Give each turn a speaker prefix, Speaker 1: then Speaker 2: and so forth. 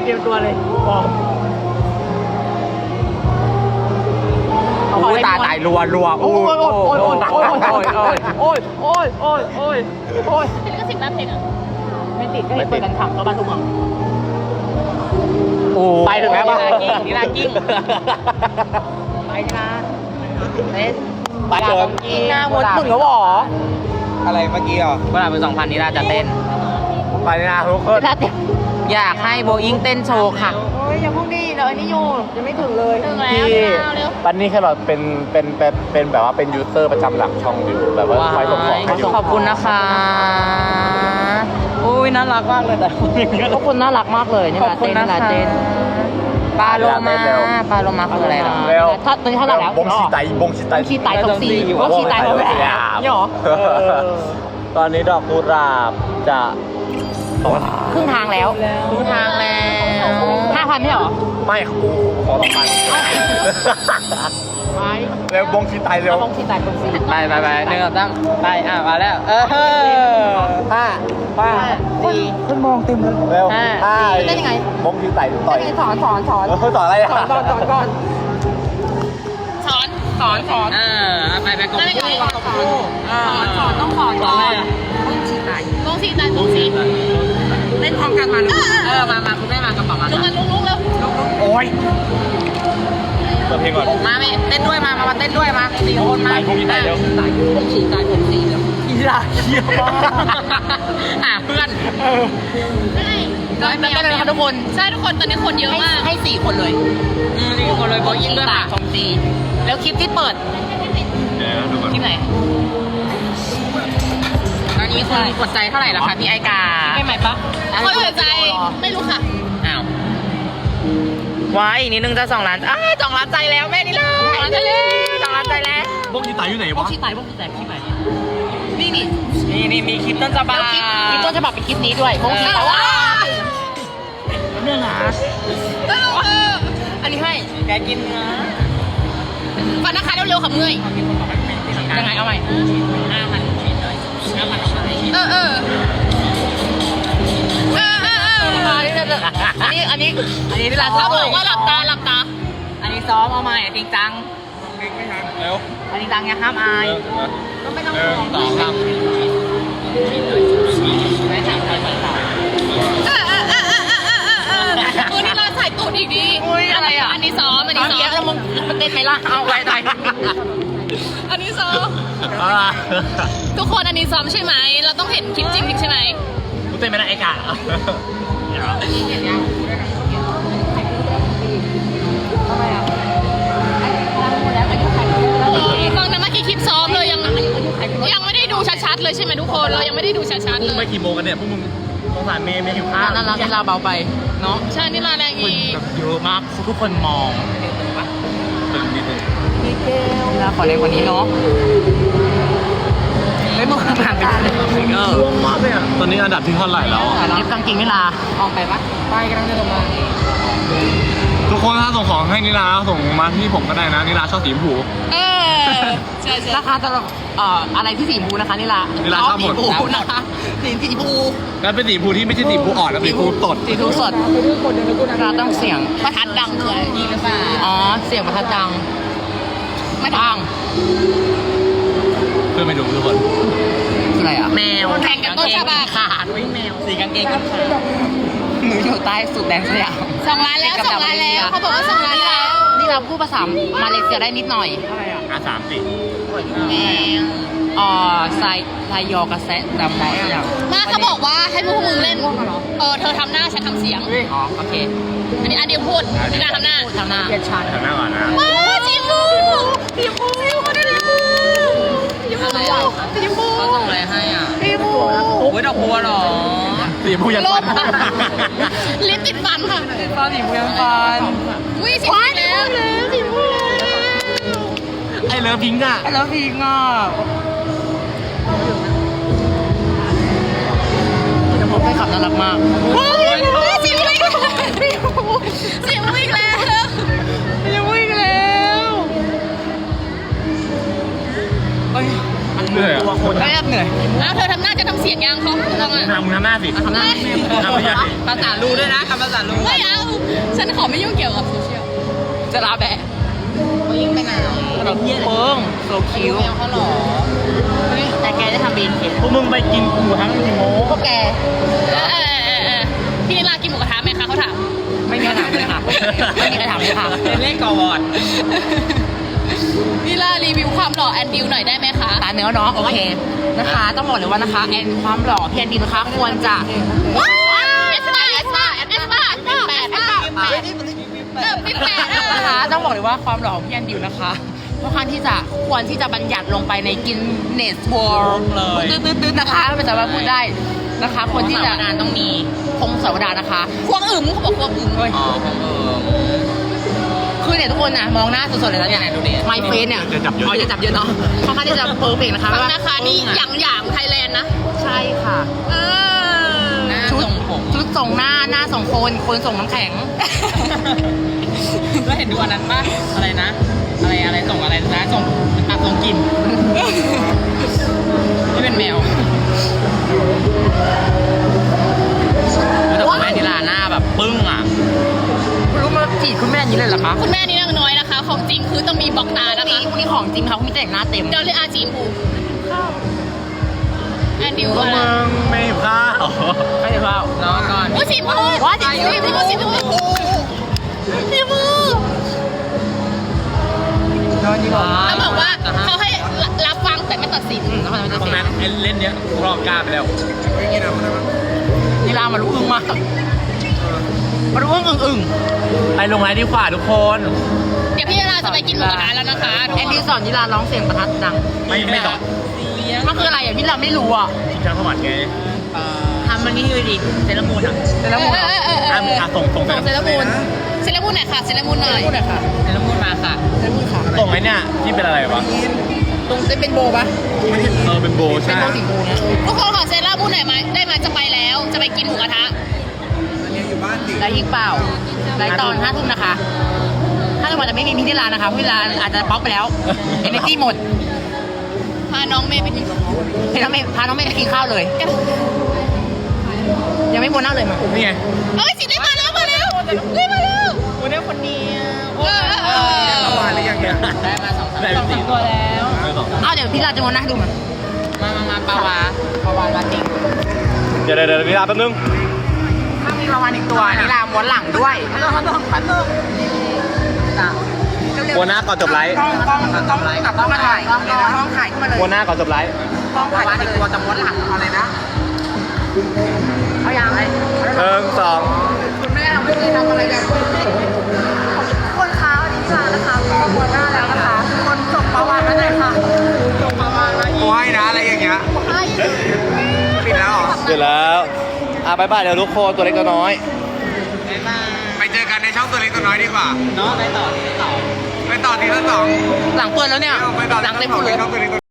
Speaker 1: เตรียมตัวเลยบอก
Speaker 2: โอ้ยตายรัวโอ้ย
Speaker 3: เป็นก็สิบล้านเพลงอ่ะ
Speaker 1: ไม่ติดก็เห็นเปิดกันขับก็บ้านทุกคน
Speaker 2: ไปถึงแล้วป่ะ
Speaker 1: นี่นากิ้งไปนะเต้น
Speaker 2: ไปเดิน
Speaker 1: กิ้งหน้ามดมึงแล้วหรอ
Speaker 2: อะไรเมื่อกี้อ่ะ
Speaker 1: เวลาเป็น2,000นี่น่าจะเต้น
Speaker 2: ไปนะทุกคน
Speaker 1: อยากให้โบอิงเต้นโชว์ค่ะโอ้ยอย่าพุ่งดิเดี๋ยวอันนี้อยู่ยังไม่ถึงเลย
Speaker 3: ถึงแล้ว
Speaker 2: ที่
Speaker 3: เร็ว
Speaker 2: ปันนี่แค่แบบเป็นแบบว่าเป็นยูเซอร์ประจำหลักช่องอยู่แบบว่าคอยส่งของให้อยู่
Speaker 1: ขอบคุณนะคะอุ้ยน่ารักมากเลยแต่ทุกคนน่ารักมากเลยนี่ลาเต้นลาเต้นปลาโลมาคืออะไรหรอ
Speaker 2: เร็ว
Speaker 1: ถ้าตอนนี้เท่าไหร่แล้ว
Speaker 2: บงชีไตบงชีไต
Speaker 1: ชีไตของซีบงชีไตของแหวนนี่หรอ
Speaker 2: ตอนนี้ดอกกุหลาบจะ
Speaker 1: ครึ่งทางแล้ว5,000ไม่หรอ
Speaker 2: ไม่ขอ2,000
Speaker 1: ไป
Speaker 2: เร็วบงชีไตเร็ว
Speaker 1: บงชีไตของซี
Speaker 4: ไปหนึ่งตั้งไปมาแล้ว
Speaker 2: ห้า
Speaker 1: คนมองเต็มเลย
Speaker 2: เร็ว
Speaker 1: เต้นยังไง
Speaker 2: บงชีไตต่อย
Speaker 1: สอน
Speaker 2: สอนอะไรอ่ะ
Speaker 1: ก่อน
Speaker 3: สอน
Speaker 4: ไปกบ
Speaker 3: ไม่ได้ก่อน
Speaker 1: สอนต้องสอนก่อน
Speaker 3: วงสีตายวงสี
Speaker 1: เล่นพร้อมกันมามาคุณแม่มากระเป๋ามา
Speaker 3: ลุกแล้ว
Speaker 2: โอ้ยเปิดเพลงก่อน
Speaker 1: มาเต้นด้วยมาเต้นด้วยมา4 คนมา
Speaker 2: บงชีไตเร็ว
Speaker 1: ผมฉีดตายผมสีแล้ว
Speaker 2: อีลาเยี่ยมมาก
Speaker 1: เพื่อน
Speaker 3: ใช่
Speaker 1: ร้อยเมตรเลยค่ะทุกคน
Speaker 3: ใช่ทุกคนตอนนี้คนเยอะมาก
Speaker 1: ให้4 คนเลย4 คนเลยบอยิงด้วยค่ะของซีแล้วคลิปที่เปิดคลิปไหนตอนนี้คนกดใจเท่าไหร่แล้วคะพี่ไอกาไม่ใหม่ปะ
Speaker 3: คนหัวใจไม่รู้ค่ะ
Speaker 1: อ้าวว้ายอีกนิดนึงจะ2 ล้าน2 ล้านใจแล้วแม่นี่เลย2 ล้านใจแล้ว
Speaker 2: บงชีไตอยู่ไหน
Speaker 1: พว
Speaker 2: วะ
Speaker 1: กชีไตพวกชีไตคลิปไหนนี่
Speaker 4: นี่มีคลิปต้นฉบับ
Speaker 1: คลิปต้นฉบับเป็นคลิปนี้ด้วยพวกชีไตว้า
Speaker 2: เนี่ยนะ
Speaker 1: อันนี้ให้
Speaker 4: แกกินเนื้อ
Speaker 3: ฟันนะคะเร็วๆค่ะเมื่อย
Speaker 1: ยังไงเอาใหม่ อันนี้ที่ร้าน
Speaker 3: เขาบอกว่าหลับตา
Speaker 1: อันนี้ซ้อมเอาใหม่จริงจัง
Speaker 2: เร็ว
Speaker 1: อันนี้จังอย่าห้ามอายก็ไม่ต้องห่วง
Speaker 2: ต่อครับ
Speaker 1: ไม่ถามใครไม่ถาม
Speaker 3: ตัวนี้เราใส่ตูดอีกดี
Speaker 1: อะไรอ่ะ
Speaker 3: อันนี้ซ้อม
Speaker 1: แล้วมึงมันเต้นไหมล่ะเอาไปไหน
Speaker 3: อันนี้ซ้อมทุกคนอันนี้ซ้อมใช่ไหมเราต้องเห็นคลิปจริงใช่ไหม
Speaker 2: กูเต้นไม่ได้ไอ้กา
Speaker 3: ฟังนะเมื่อกี้คลิปซ้อมเลยยังไม่ได้ดูชัดๆเลยใช่ไหมทุกคนเรายังไม่ได้ดูชัดๆเล
Speaker 2: ไป
Speaker 3: ย
Speaker 2: กี่โมงกันเนี่ยพวกมึงสงสารเมย์หิวข้าว
Speaker 1: นั่นเราเบาไปเนาะ
Speaker 3: ใช่นี่มาแรงอีก
Speaker 1: เยอะมากทุกคนมอง
Speaker 2: ตึงนิดนึง
Speaker 1: เราขอเล็กกว่านี้เนาะไม่มึงผ่านไปเออ
Speaker 2: ร่วงมากเลยอ่ะตอนนี้อันดับที่เท่าไหร่แล้วอ่ะ
Speaker 1: ลิฟต์กางเกงนิลาออกไปปะไปกำลังจะลงมา
Speaker 2: ทุกคนถ้าส่งของให้นิลาส่งมาที่ผมก็ได้นะนิลาชอบสีชมพู
Speaker 3: ใช่
Speaker 1: ราคาจะอะไรที่สีชมพูนะคะนิลา
Speaker 2: นิลาชอบหมด
Speaker 1: สีชมพูนะคะสีชมพู
Speaker 2: แล้วเป็นสีชมพูที่ไม่ใช่สีชมพูอ่อนนะสีชมพูสด
Speaker 1: สีชมพูสดเราต้องเสียง
Speaker 3: ประทัดดังคืออะไรนี่หรือเปล่า
Speaker 1: อ๋อเสียงประทัดดังไม่ดัง
Speaker 2: เพื่อไม่ดูทุกคน
Speaker 1: คืออะไรอ่ะแมว
Speaker 3: แข่งกันต้นฉบับ
Speaker 1: ขาดด้วยแมวสีกางเกงก็ขาดหนูอยู่ใต้สุดแดนสยาม
Speaker 3: 2 ล้านแล้ว2 ล้านแล้วเขาบอกว่า2 ล้านแล้ว
Speaker 1: นี่เราพูดภาษามาเลเซียได้นิดหน่อย
Speaker 2: 3 สิ
Speaker 1: ไซยอกระแสดำอะไรอย่าง
Speaker 3: มาเขาบอกว่าให้พวกมึงเล่นเธอทำหน้าฉันทำเสียง
Speaker 1: อ๋อโอเค
Speaker 3: อันนี้พูดนี่นาทำหน้า
Speaker 1: ทำหน้าเกียรติชัน
Speaker 2: ทำหน้าก่อนนะ
Speaker 3: ว้าจิมบูจิมบูเขาได้แล้วจิมบูจิมบู
Speaker 1: เขาส่งอะไรให้อ่ะ
Speaker 3: จิมบู
Speaker 1: โอ้ยดอกบัวหรอ
Speaker 2: สีชมพูยัน
Speaker 3: ล
Speaker 2: ฟั
Speaker 3: บ
Speaker 2: น
Speaker 3: ลิปติดฟันค่ะ
Speaker 1: ตอนสีเมืองฟัน
Speaker 3: อุ้ยจิมบูแล้วจิมบูแล้ว
Speaker 2: ไอ้เลิฟพิงค์อ่ะ
Speaker 1: แล้วพิงอ่ะจะพบให้ขับน่ารักมาก
Speaker 3: ว้าวจิมบูอีกแล้วจิมบูอีกแล้ว
Speaker 1: ยังวิ่งแล้วเอ้ย
Speaker 2: เหนื่อยอ่ะ
Speaker 1: แอบเหนื่อย
Speaker 3: อ้าวเธอทำหน้าจะทำเสียงยังเขาลองอ่ะ
Speaker 2: ทำหน้าสิ
Speaker 1: ทำหน้า
Speaker 2: ทำไม่ยากสิ
Speaker 1: ภาษารู้ด้วยนะคำภาษารู้
Speaker 3: ไม่เอาฉันขอไม่ยุ่งเกี่ยวกับโซเชียล จะลาแบะ
Speaker 1: เขายิ่งไปไหนแบบเปิ้งโซคิวเขาหรอแต่แกได้ทำบีนเขียน
Speaker 4: พวกมึงไปกินกูทั้งโง่
Speaker 1: พวกแก
Speaker 3: พี่นิลากินหมูกระทะไหมคะเขาถาม
Speaker 1: ไม่มีใครถามเลยค่ะไม่มีใครถามเลยค่ะ
Speaker 4: เป็นเลขกอวอด
Speaker 3: นิลารีวิวความหล่อแอนดิวหน่อยได้ไหมคะ
Speaker 1: ตาเนื้อเนาะโอเคนะคะ ต้องบอกเลยว่านะคะแอนความหล่อพี่แอนดีนะคะควรจะ
Speaker 3: ว้าวเอสบ้าเอสบ้าเอสบ้าแปด
Speaker 1: นะคะต้องบอกเลยว่าความหล่อของพี่แอนดิวนะคะค่อนข้างที่จะควรที่จะบัญญัติลงไปในกินเนสวอลตื้อๆนะคะไม่สามารถพูดได้นะคะ คนที่จะต้องมีพงศาวดารนะคะ
Speaker 3: ควงอึมเขาบอกควงอึม
Speaker 1: อ๋อคือเนี่ยทุกคนน่ะมองหน้าสดๆเลยแล้วเนี่ยไมเฟนเนี่ยจะจับเยอะเนาะค่อนข้างที่จะเพอร์เฟกต์นะคะ
Speaker 3: ฟังนะคะนี่อย่างไทยแลนด์นะ
Speaker 1: ใช่ค่ะชุดส่งหน้าส่งคนส่งน้ำแข็ง
Speaker 4: แล้วเห็นดูอันนั้นป่ะอะไรนะ อะไรส่งอะไรนะส่งตัดส่งกลิ่นนี่เป็นแมวแต่คุณแม่นิลาหน้าแบบปึ้งอ่ะ
Speaker 1: รู้มาจีบคุณแม่นี้เลยเหรอคะ
Speaker 3: คุณแม่นี่นางน้อยนะคะ ของจริงคือต้องมีบล็อกตานะคะ
Speaker 1: พวกนี้ของจริงเขาไม่แต่งหน้าเต็ม
Speaker 3: เดี๋ยวเลยอาจีมูแอนดิว
Speaker 2: พวก
Speaker 3: อะไร
Speaker 2: มึงไม่หิวข้าว
Speaker 1: ไม่ได้เปล่า
Speaker 4: รอก่อน
Speaker 3: โอ้สีมูสีมู เขาบอกว่าเขาให้รับฟังแต่ไม่ตัดสิน
Speaker 4: ตรงนั้นเล่นเนี้ยรอบกล้าไปแล้ว
Speaker 1: นี่ลามารู้อึ้งมากมารู้อึ้ง
Speaker 2: ไปลงไลน์ดีกว่าทุกคน
Speaker 3: เดี๋ยวพี่นิลาจะไปกินหมูกระทะแล้วนะคะ
Speaker 1: แอนดี้สอนนิลาร้องเสียงประทัดดัง
Speaker 2: ไม่ต่อ
Speaker 1: มันคืออะไรอ่ะพี่ลาไม่รู้อ่ะ
Speaker 2: ช่างสมัครไง
Speaker 1: ทำมันนี่คือดิเซรามูนอ่ะเซรามูน
Speaker 2: ส่ง
Speaker 3: ส่งเซรามูนเซรามูนหน่อยค่ะเซรามูนหน่อย
Speaker 1: พูดหน่อยค่ะ
Speaker 4: เซรามูนมาค่ะ
Speaker 1: เซรามูนค่ะ
Speaker 2: ส่งไอ้เนี่ยที่เป็นอะไรวะ
Speaker 1: ตรงจะเป็นโบปะ
Speaker 2: เป็นโบ
Speaker 1: เป็
Speaker 2: ใช่
Speaker 1: นโบสีโบนะ
Speaker 3: ทุกคนขอเซรามูนหน่อยไหมได้ไหมจะไปแล้วจะไปกินหมูกระทะ
Speaker 1: แล้วยิงเปล่าไลฟ์ตอน5 ทุ่มนะคะถ้าจังหวะจะไม่มีพี่นิลานะคะพี่นิลาอาจจะป๊อกไปแล้วเอเนจีหมด
Speaker 3: พาน้องเมย์ไปกิน
Speaker 1: พาน้องเมย์ไปกินข้าวเลย ยังไม่โบนัสเลยมา
Speaker 2: นี่ไง
Speaker 3: เอ้ยสิได้มาแล้วมาแล้วได้มาแล้ว
Speaker 4: วันนี้คนนี้
Speaker 2: ได้มาสองตัวแล้ว
Speaker 1: อ้าวเดี๋ยวพี่ลาจะโบนัสให้ดูมา
Speaker 4: มาปาวา
Speaker 1: มาจริง
Speaker 2: เดี๋ยวนี่ลาแป๊บนึง
Speaker 1: ถ้ามีประมาณ1 ตัวนิลาม้วนหลังด้วยพัน
Speaker 2: โบนัสก่อนจบไลฟ์
Speaker 1: ต้องมาถ่ายต้องถ่ายขึ้นมาเลย
Speaker 2: โบนัสก่อนจบไลฟ์
Speaker 1: ต้องถ่าย1 ตัวจะม้วนหลังเอาเลยนะเอาอย่างไร
Speaker 2: 1 2
Speaker 1: คุณแม่เราไม่ได้ทำอะไรกันคนค้าวันนี้มานะคะก็ม้วนหน้าแล้วนะคะคนส่งประวัติมาหน่อยค่ะส่งประวัติมาอีก
Speaker 5: โอ้ยนะอะไรอย่างเงี้ยปิดแล้วเหรอ
Speaker 2: เสร็จแล้วบายบายเดี๋ยวทุกคนตัวเล็กตัวน้อย
Speaker 5: ไปเจอกันในช่องตัวเล็กตัวน้อยดีกว่า
Speaker 4: เนาะไปต่อ
Speaker 5: ไปต่อทีละสอง
Speaker 1: หลังเปิดแล้วเนี่ย
Speaker 5: ไปต่อ
Speaker 1: หลัง
Speaker 5: ที
Speaker 1: เต็
Speaker 5: ละ
Speaker 1: ม
Speaker 5: สอง
Speaker 1: เล
Speaker 5: ใน
Speaker 1: ย
Speaker 5: ช่องตัวเล็กตัว